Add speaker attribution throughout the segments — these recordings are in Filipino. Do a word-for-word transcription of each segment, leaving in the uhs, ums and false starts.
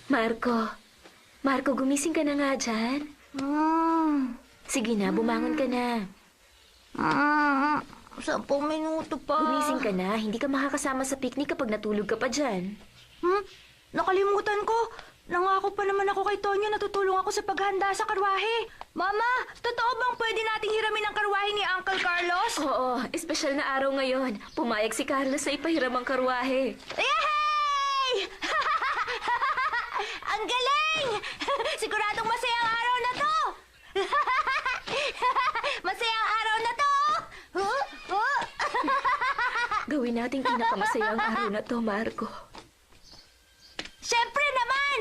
Speaker 1: Marco, Marco, gumising ka na nga dyan.
Speaker 2: Mm.
Speaker 1: Sige na, bumangon ka na.
Speaker 2: Mm. Sampung minuto pa.
Speaker 1: Gumising ka na, hindi ka makakasama sa picnic kapag natulog ka pa dyan.
Speaker 2: Hmm? Nakalimutan ko. Nangako pa naman ako kay Tonyo na tutulong ako sa paghanda sa karwahe. Mama, totoo bang pwede nating hiramin ang karwahe ni Uncle Carlos?
Speaker 1: Oo, espesyal na araw ngayon. Pumayag si Carlos sa ipahiram ang karwahe.
Speaker 2: Yay! Ang galing! Siguradong masaya ang araw na to! Masaya ang araw na to! Huh? Huh?
Speaker 1: Gawin nating pinakamasayang araw na to, Marco.
Speaker 2: Siyempre naman!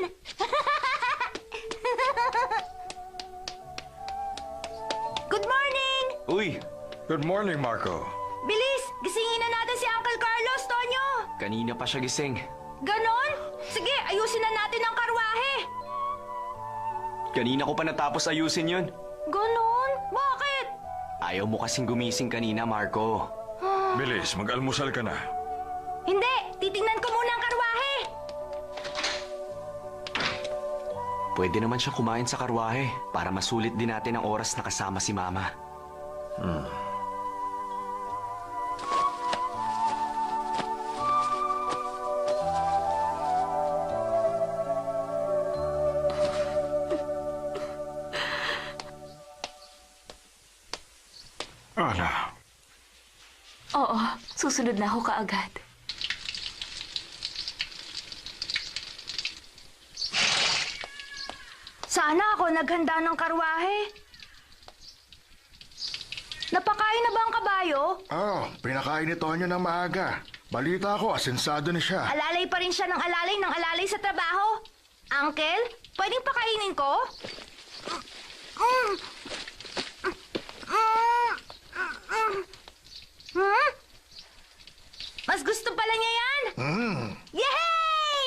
Speaker 2: Good morning!
Speaker 3: Uy,
Speaker 4: Good morning, Marco.
Speaker 2: Bilis! Gisingin na natin si Uncle Carlos, Tonyo!
Speaker 3: kanina pa siya gising.
Speaker 2: Ganon? Sige, ayusin na natin ang karwahe!
Speaker 3: Kanina ko pa natapos ayusin yun.
Speaker 2: Ganon? Bakit?
Speaker 3: Ayaw mo kasing gumising kanina, Marco.
Speaker 4: Bilis, mag-almusal ka na.
Speaker 2: Hindi! Titingnan ko muna ang karwahe!
Speaker 3: Pwede naman siya kumain sa karwahe para masulit din natin ang oras na kasama si Mama.
Speaker 4: Ala,
Speaker 1: Oo, susunod na ako kaagad.
Speaker 2: Sana ako naghanda ng karwahe. Napakain na ba ang kabayo?
Speaker 5: Oh, pinakain ni Tonyo ng maaga. Balita ko, asensado na siya.
Speaker 2: Alalay pa rin siya ng alalay ng alalay sa trabaho. Uncle, pwedeng pakainin ko? Mm. Mm. Mm. Hmm? Mas gusto pala niya yan?
Speaker 5: Hmm,
Speaker 2: Yay!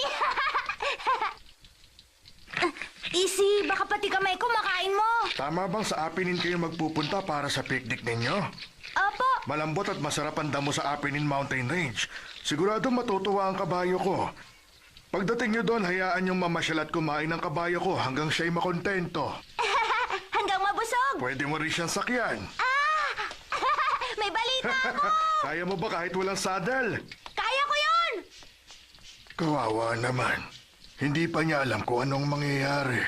Speaker 2: Easy, baka pati kamay ko makain mo.
Speaker 5: tama bang sa Apinin kayo magpupunta para sa picnic ninyo?
Speaker 2: Opo.
Speaker 5: Malambot at masarap ang damo sa Apinin Mountain Range. Sigurado matutuwa ang kabayo ko. Pagdating nyo doon, hayaan yung mamasyal at kumain ng kabayo ko hanggang siya'y makontento.
Speaker 2: Hanggang mabusog.
Speaker 5: Pwede mo rin siyang sakyan.
Speaker 2: Ah! May balita ako!
Speaker 5: Kaya mo ba kahit walang saddle?
Speaker 2: Kaya ko yun!
Speaker 5: Kawawa naman. Hindi pa niya alam kung anong mangyayari.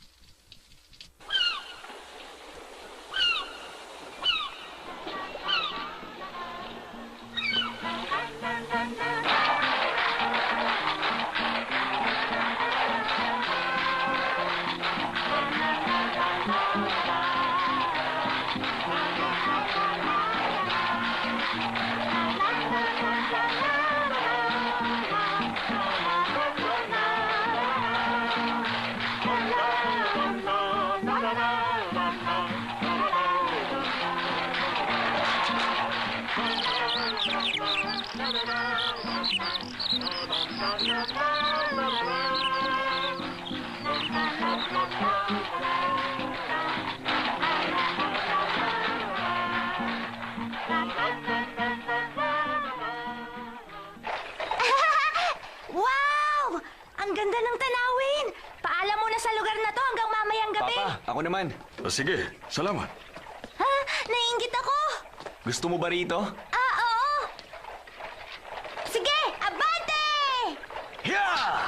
Speaker 2: Wow! Ang ganda ng tanawin! Paalam muna sa lugar na to hanggang mamayang gabi.
Speaker 3: Papa, ako naman.
Speaker 4: O, sige, salamat.
Speaker 2: Ha? Naiingit ako!
Speaker 3: Gusto mo ba rito?
Speaker 2: Ah, oo! Sige, abante!
Speaker 3: Yeah!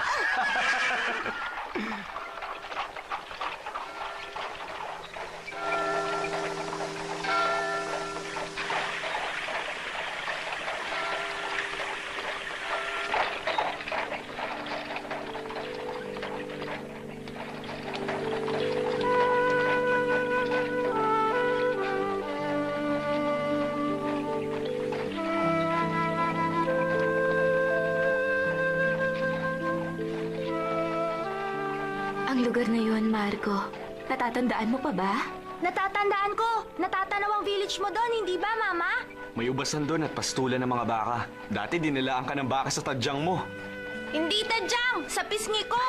Speaker 1: Ang lugar na yon, Marco. Natatandaan mo pa ba?
Speaker 2: Natatandaan ko! Natatanaw ang village mo doon, hindi ba, Mama?
Speaker 3: May ubasan doon at pastulan ng mga baka. Dati dinilaan ka ng baka sa tadyang mo.
Speaker 2: Hindi tadyang! Sa pisngi ko!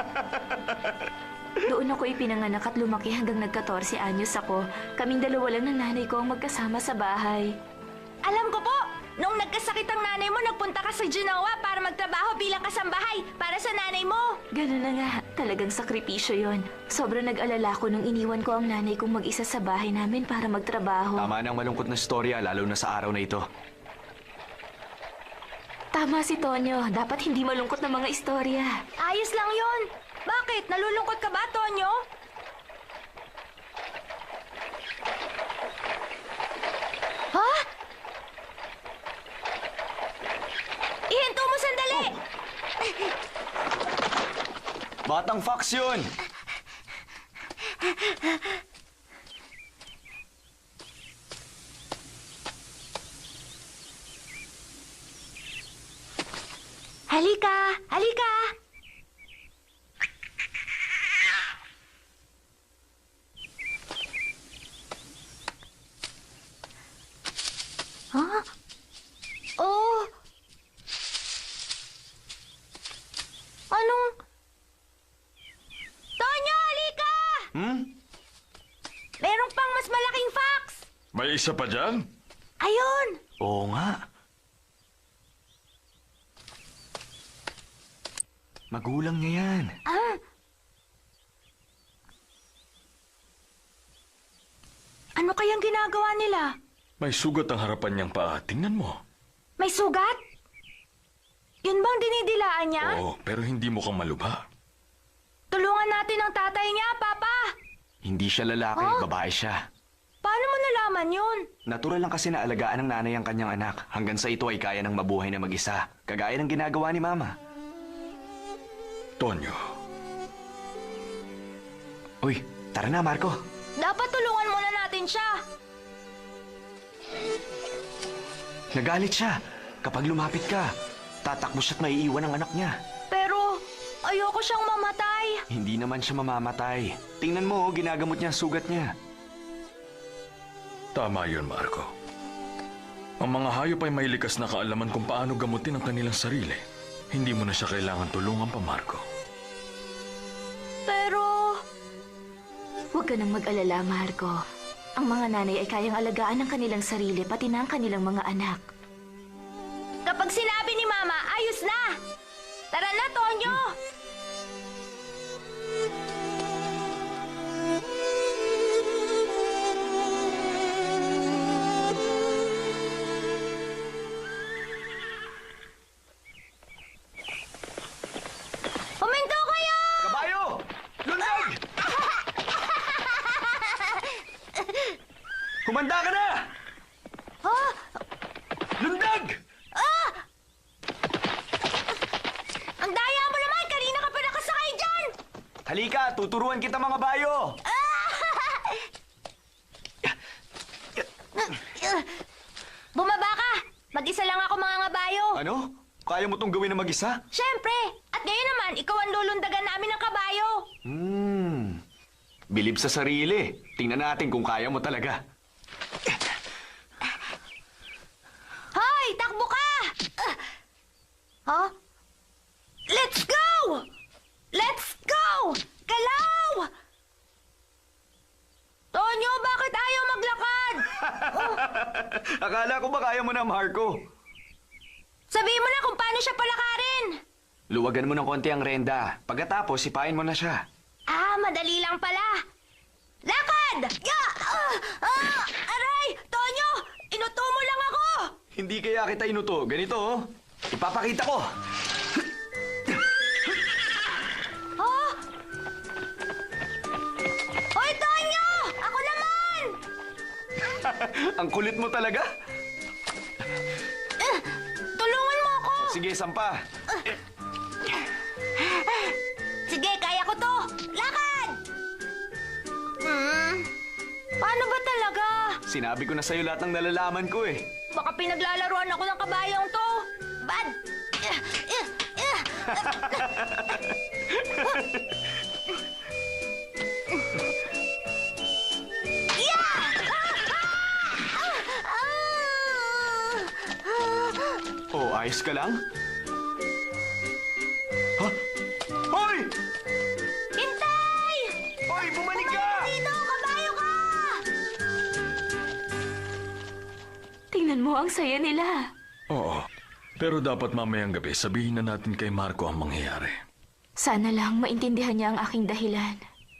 Speaker 1: Doon ako ipinanganak at lumaki hanggang nagka-fourteen anyos ako. Kaming dalawa lang ng nanay ko ang magkasama sa bahay.
Speaker 2: Alam ko po! Nung nagkasakit ang nanay mo, nagpunta ka ka sa Genoa para magtrabaho bilang kasambahay para sa nanay mo.
Speaker 1: Ganun na nga, talagang sakripisyo yon. Sobrang nag-alala ko nung iniwan ko ang nanay kong mag-isa sa bahay namin para magtrabaho.
Speaker 3: Tama ng malungkot na storya, lalo na sa araw na ito.
Speaker 1: Tama si Tonyo, dapat hindi malungkot na mga istorya.
Speaker 2: Ayos lang yon. Bakit? Nalulungkot ka ba, Tonyo? Ha? Ihinto mo sandali!
Speaker 3: Batang fox yun!
Speaker 2: Halika! Halika! Huh? Oh! Anong... Tonyo, halika!
Speaker 3: Hmm?
Speaker 2: Meron pang mas malaking fox!
Speaker 4: May isa pa dyan?
Speaker 2: Ayun!
Speaker 3: Oo nga. Magulang niya yan.
Speaker 2: Ah! Ano kayang ginagawa nila?
Speaker 4: May sugat ang harapan niyang paa. Tingnan mo.
Speaker 2: May sugat? Yun bang dinidilaan niya?
Speaker 4: Oo, pero hindi mo kang malubha.
Speaker 2: Tulungan natin ang tatay niya, Papa!
Speaker 3: Hindi siya lalaki,
Speaker 2: Huh?
Speaker 3: babae siya.
Speaker 2: Paano mo nalaman yun?
Speaker 3: Natural lang kasi na alagaan ng nanay ang kanyang anak hanggang sa ito ay kaya ng mabuhay na mag-isa. Kagaya ng ginagawa ni Mama.
Speaker 4: Tonyo,
Speaker 3: Uy, tara na Marco.
Speaker 2: Dapat tulungan muna natin siya.
Speaker 3: Nagalit siya. Kapag lumapit ka, tatakbo siya't maiiwan ang anak niya.
Speaker 2: Pero ayoko siyang mamatay.
Speaker 3: Hindi naman siya mamamatay. Tingnan mo, oh, ginagamot niya ang sugat niya.
Speaker 4: tama yun, Marco. Ang mga hayop ay may likas na kaalaman kung paano gamutin ang kanilang sarili. Hindi mo na siya kailangan tulungan pa, Marco.
Speaker 2: Pero...
Speaker 1: Huwag ka nang mag-alala, Marco. Ang mga nanay ay kayang alagaan ng kanilang sarili, pati na ang kanilang mga anak.
Speaker 2: Kapag sinabi ni Mama, ayos na! Tara na, Tonyo! Huminto kayo!
Speaker 3: Kabayo! Lundag! Humanda ka na!
Speaker 2: Ah!
Speaker 3: Lundag!
Speaker 2: Ah! Ang daya mo naman! Kanina ka pa nakasakay dyan!
Speaker 3: Halika, tuturuan kita mga bayo!
Speaker 2: Bumaba ka! Mag-isa lang ako mga ngabayo.
Speaker 3: Ano? Kaya mo tong gawin na mag-isa?
Speaker 2: Siyempre! At ngayon naman, ikaw ang lulundagan namin ng kabayo.
Speaker 3: Hmm. Bilib sa sarili. Tingnan natin kung kaya mo talaga.
Speaker 2: Hoy! Takbo ka! Ah! Huh? Let's go! Let's go! Galaw! Tonyo, bakit ayaw maglakad?
Speaker 3: Akala ko ba kaya mo na, Marco?
Speaker 2: Sabihin mo na kung paano siya palakarin.
Speaker 3: Luwagan mo ng konti ang renda. Pagkatapos, sipain mo na siya.
Speaker 2: Ah, madali lang pala. Lakad! Ya! Ah! Ah! Aray! Tonyo! Inuto mo lang ako!
Speaker 3: Hindi kaya kita inuto. Ganito, oh. Ipapakita ko.
Speaker 2: Oh! Hoy, Tonyo! Ako naman!
Speaker 3: Ang kulit mo talaga.
Speaker 2: Eh, tulungan mo ako!
Speaker 3: Sige, sampa.
Speaker 2: Sige, kaya ko to! Lakad! Hmm, paano ba talaga?
Speaker 3: Sinabi ko na sa'yo lahat ng nalalaman ko, eh.
Speaker 2: Baka pinaglalaruan ako ng kabayong to. Bad! Eh, eh, eh. Yeah! Ah! Ah!
Speaker 3: Oh, ayos ka lang? Ha? Hoy!
Speaker 2: Hintay!
Speaker 3: Hoy, bumalik ka!
Speaker 2: Dito, kabayo ka!
Speaker 1: Tingnan mo ang saya nila.
Speaker 4: Oo, Pero dapat mamayang gabi sabihin na natin kay Marco ang mangyayari.
Speaker 1: Sana lang maintindihan niya ang aking dahilan.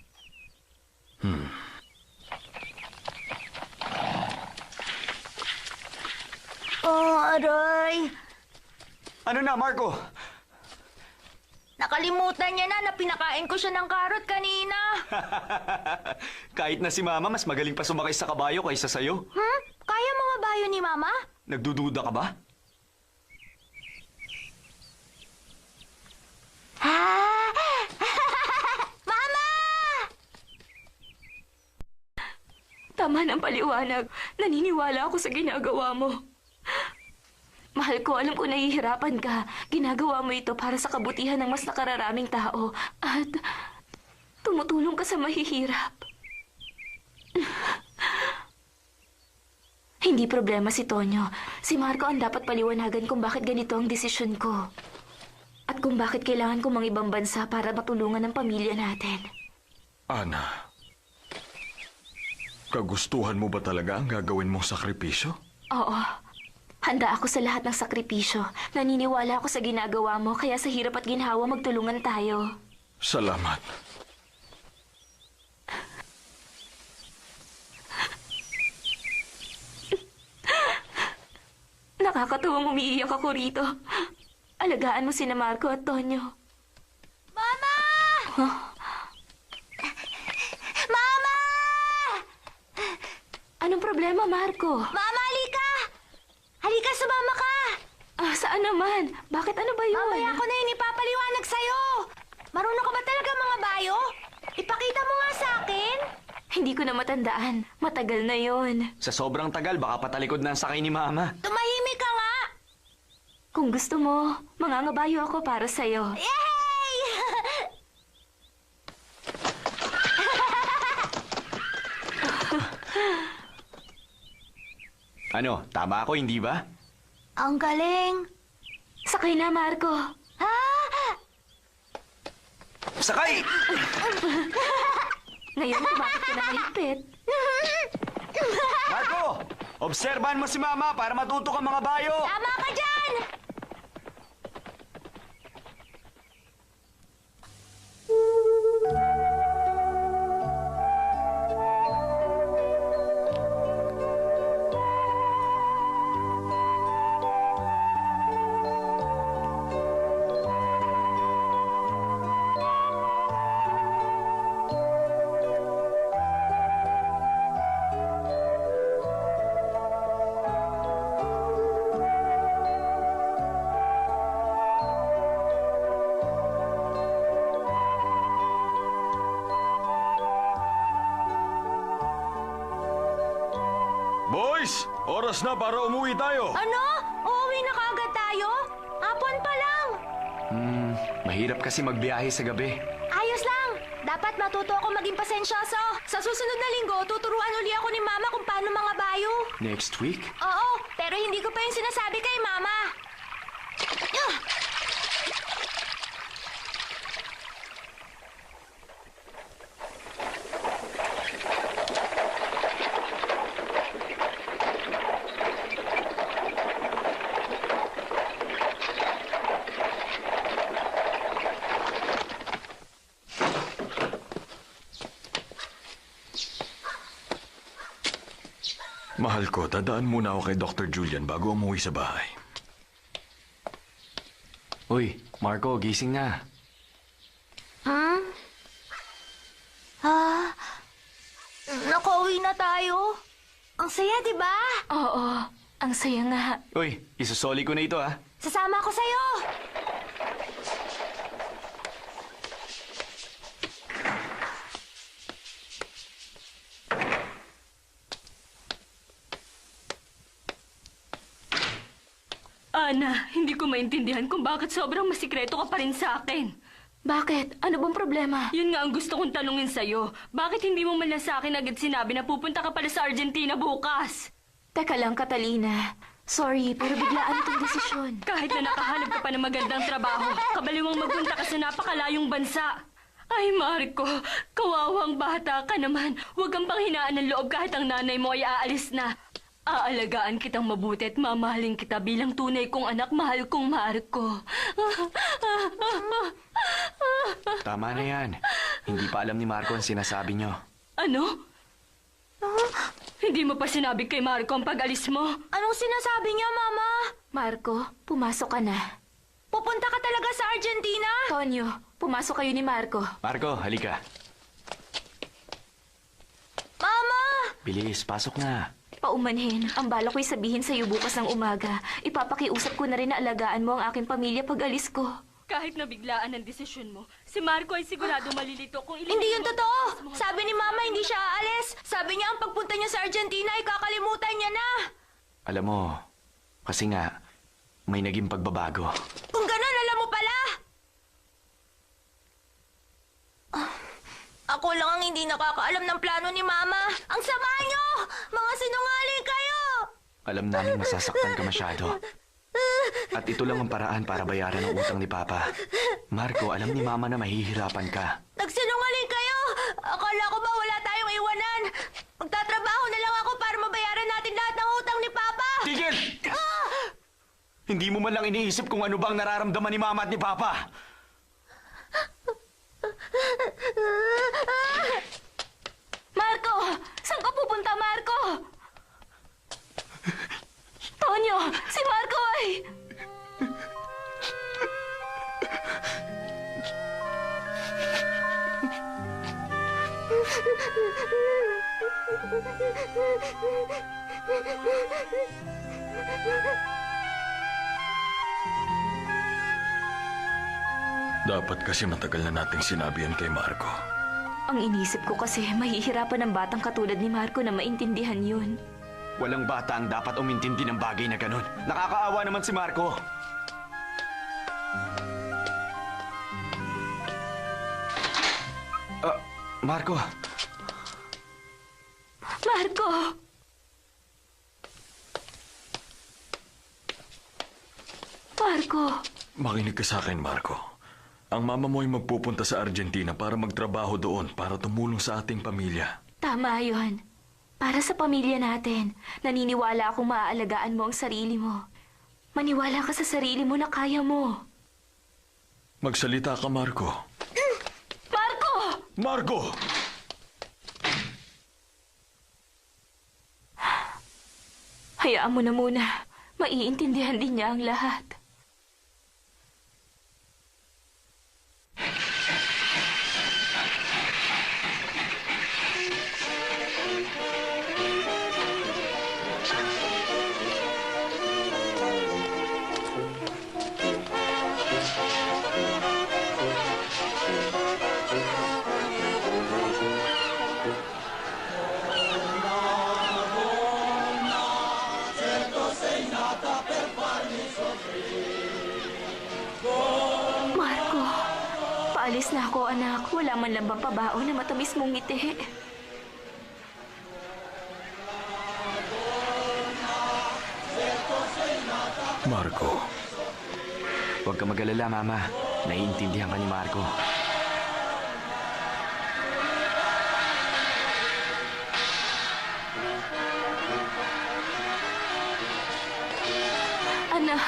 Speaker 2: Oh, aray.
Speaker 3: Ano na, Marco?
Speaker 2: Nakalimutan niya na na pinakain ko siya ng karot kanina.
Speaker 3: Kahit na si Mama, mas magaling pa sumakay sa kabayo kaysa sa'yo.
Speaker 2: Hmm? Kaya mga bayo ni Mama?
Speaker 3: Nagdududa ka ba?
Speaker 2: Ah! Mama!
Speaker 1: Tama ng paliwanag. Naniniwala ako sa ginagawa mo. Mahal ko, alam ko nahihirapan ka. Ginagawa mo ito para sa kabutihan ng mas nakararaming tao. At tumutulong ka sa mahihirap. Hindi problema si Tonyo. Si Marco ang dapat paliwanagan kung bakit ganito ang desisyon ko. At kung bakit kailangan ko mang ibang bansa para matulungan ang pamilya natin.
Speaker 4: Ana, kagustuhan mo ba talaga ang gagawin mong sakripisyo?
Speaker 1: Oo. Handa ako sa lahat ng sakripisyo. Naniniwala ako sa ginagawa mo, kaya sa hirap at ginhawa magtulungan tayo.
Speaker 4: Salamat.
Speaker 1: Nakakatuwang umiiyak ako rito. Alagaan mo sina Marco at Tonyo.
Speaker 2: Mama!
Speaker 1: Huh?
Speaker 2: Mama!
Speaker 1: Anong problema, Marco?
Speaker 2: Mama, halika! Halika, sumama ka!
Speaker 1: Ah, saan naman? Bakit ano ba yun?
Speaker 2: Mamaya ko na yun ipapaliwanag sa'yo. Marunong ka ba talaga mga bayo? Ipakita mo nga sa akin.
Speaker 1: Hindi ko na matandaan. Matagal na yon.
Speaker 3: Sa sobrang tagal, baka patalikod na ang sakay ni Mama.
Speaker 2: Tumahimik ka nga.
Speaker 1: Kung gusto mo, mangangabayo ako para sa'yo.
Speaker 2: Yay!
Speaker 3: Ano, tama ako, hindi ba?
Speaker 2: Ang galing.
Speaker 1: Sakay na, Marco.
Speaker 2: Ah!
Speaker 3: Sakay!
Speaker 1: Ngayon, bakit ka na mahigpit?
Speaker 3: Marco! Obserbahan mo si Mama para matuto ka mga bayo!
Speaker 2: Tama ka dyan!
Speaker 4: Boys, oras na para umuwi tayo.
Speaker 2: Ano? Uuwi na kaagad tayo? Hapon pa lang.
Speaker 3: Hmm, mahirap kasi magbiyahe sa gabi.
Speaker 2: Ayos lang. Dapat matuto ako maging pasensyoso. Sa susunod na linggo, tuturuan uli ako ni Mama kung paano mga bayo.
Speaker 3: Next week?
Speaker 2: Oo, pero hindi ko pa yung sinasabi kay Mama. Ah!
Speaker 4: Mahal ko, dadaan muna ako kay Doctor Julian bago umuwi sa bahay.
Speaker 3: Uy, Marco, gising na.
Speaker 2: Hmm? Ah, nakauwi na tayo. Ang saya, di ba?
Speaker 1: Oo, ang saya nga.
Speaker 3: Uy, isusoli ko na ito ah.
Speaker 2: Sasama ako sa'yo.
Speaker 6: Ana, hindi ko maintindihan kung bakit sobrang masikreto ka pa rin sa akin.
Speaker 1: Bakit? Ano bang problema?
Speaker 6: Yun nga ang gusto kong tanungin sa'yo. Bakit hindi mo man lang sa akin agad sinabi na pupunta ka pala sa Argentina bukas?
Speaker 1: Teka lang, Catalina. Sorry, pero biglaan itong desisyon.
Speaker 6: Kahit na nakahanap ka pa ng magandang trabaho, kabaliwang magpunta ka sa napakalayong bansa. Ay, Marco, kawawang bata ka naman. Huwag kang panghinaan ng loob kahit ang nanay mo ay aalis na. Aalagaan kitang mabuti at mamahalin kita bilang tunay kong anak, mahal kong Marco.
Speaker 3: Tama na yan. Hindi pa alam ni Marco ang sinasabi nyo.
Speaker 6: Ano? Hindi mo pa sinabi kay Marco ang pag-alis mo?
Speaker 2: Anong sinasabi niya, Mama?
Speaker 1: Marco, pumasok ka na.
Speaker 2: Pupunta ka talaga sa Argentina?
Speaker 1: Tonyo, pumasok kayo ni Marco.
Speaker 3: Marco, halika.
Speaker 2: Mama!
Speaker 3: Bilis, pasok na.
Speaker 1: Paumanhin, ang bala ko'y sabihin sa'yo bukas ng umaga. Ipapakiusap ko na rin na alagaan mo ang aking pamilya pag alis ko.
Speaker 6: Kahit nabiglaan ang desisyon mo, si Marco ay sigurado malilito kung ililito
Speaker 2: Hindi yun
Speaker 6: mo-
Speaker 2: totoo! Sabi ni Mama hindi siya aalis. Sabi niya ang pagpunta niya sa Argentina ay kakalimutan niya na.
Speaker 3: Alam mo, kasi nga, may naging pagbabago.
Speaker 2: Kung ganun, alam mo pala! Ah, ako lang ang hindi nakakaalam ng plano ni Mama. Ang sama niyo! Mga sinungaling kayo!
Speaker 3: Alam namin masasaktan ka masyado. At ito lang ang paraan para bayaran ang utang ni Papa. Marco, alam ni Mama na mahihirapan ka.
Speaker 2: Nagsinungaling kayo! Akala ko ba wala tayong iwanan? Magtatrabaho na lang ako para mabayaran natin lahat ng utang ni Papa!
Speaker 3: Tigil! Hindi mo man lang iniisip kung ano ba ang nararamdaman ni Mama at ni Papa.
Speaker 1: Marco! Saan ka pupunta, Marco? Tonyo, si Marco ay...
Speaker 4: Dapat kasi matagal na nating sinabi yan kay Marco.
Speaker 1: Ang inisip ko kasi mahihirapan ng batang katulad ni Marco na maintindihan yun.
Speaker 3: Walang bata ang dapat umintindi ng bagay na ganun. Nakakaawa naman si Marco. Ah, Marco.
Speaker 1: Marco! Marco!
Speaker 4: Makinig ka sa akin, Marco. Ang mama mo ay magpupunta sa Argentina para magtrabaho doon para tumulong sa ating pamilya.
Speaker 1: Tama yon. Para sa pamilya natin, naniniwala akong maaalagaan mo ang sarili mo. Maniwala ka sa sarili mo na kaya mo.
Speaker 4: Magsalita ka, Marco.
Speaker 1: Marco!
Speaker 4: Marco!
Speaker 1: Hayaan mo na muna. Maiintindihan din niya ang lahat. Marco, paalis na ako, anak. Wala man lang bang pabaon na matamis mong ngiti.
Speaker 4: Marco,
Speaker 3: Huwag ka mag-alala, Mama. Naiintindihan ka ni Marco.
Speaker 1: Anak.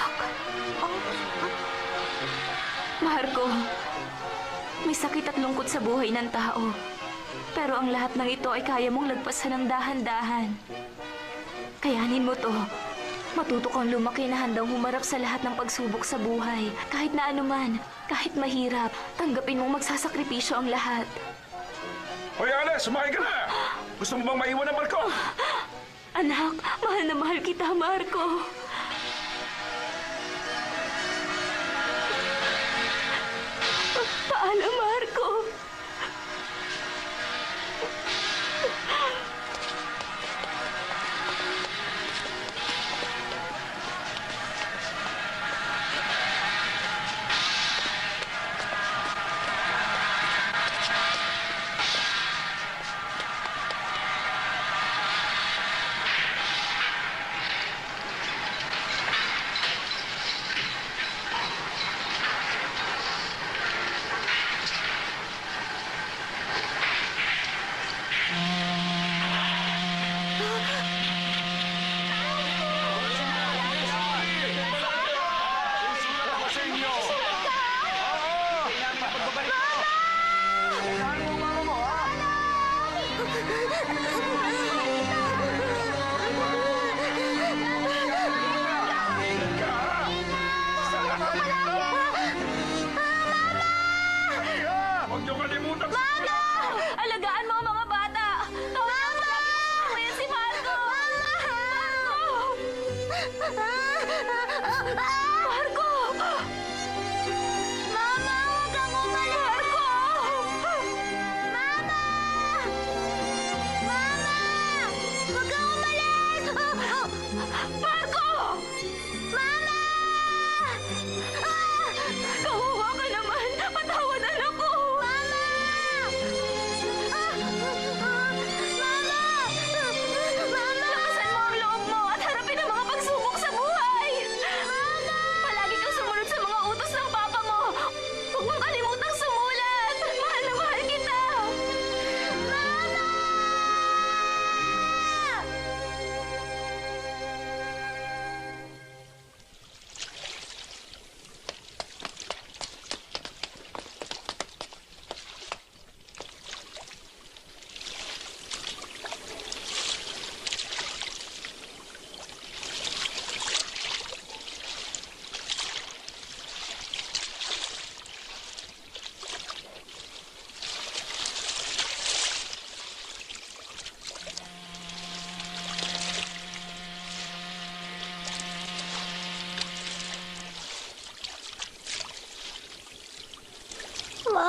Speaker 1: Marco, may sakit at lungkot sa buhay ng tao. Pero ang lahat ng ito ay kaya mong lagpasan ng dahan-dahan. Kayanin mo to. Matuto kang lumaki na handang humarap sa lahat ng pagsubok sa buhay. Kahit na anuman, kahit mahirap, tanggapin mong magsasakripisyo ang lahat.
Speaker 7: Hoy, Ana, sumakay ka na! Gusto mo bang maiwan ang barko?
Speaker 1: Anak, mahal na mahal kita, Marco. Paalam, Marco.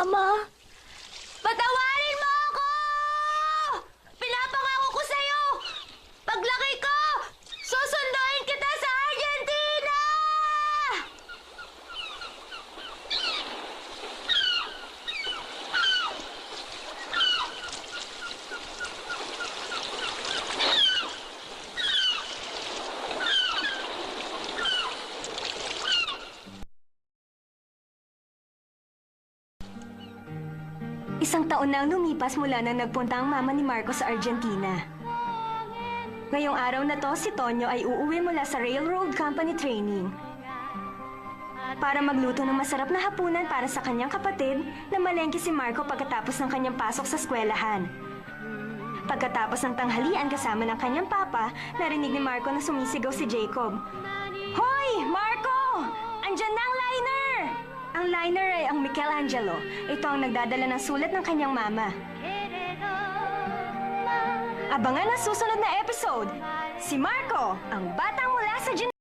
Speaker 2: Mama, patawarin mo ako! Pinapangako ko sa'yo! Paglaki ko, susunduin kita sa Argentina!
Speaker 8: Isang taon na ang lumipas mula nang nagpunta ang mama ni Marco sa Argentina. Ngayong araw na to, si Tonyo ay uuwi mula sa Railroad Company training para magluto ng masarap na hapunan para sa kanyang kapatid na malengke si Marco pagkatapos ng kanyang pasok sa eskwelahan. Pagkatapos ng tanghalian kasama ng kanyang papa, narinig ni Marco na sumisigaw si Jacob. Hoy, Marco! Andyan na ang liner! Ang liner ay ang Michelangelo. Ito ang nagdadala ng sulat ng kanyang mama. Abangan ang susunod na episode. Si Marco, ang batang mula sa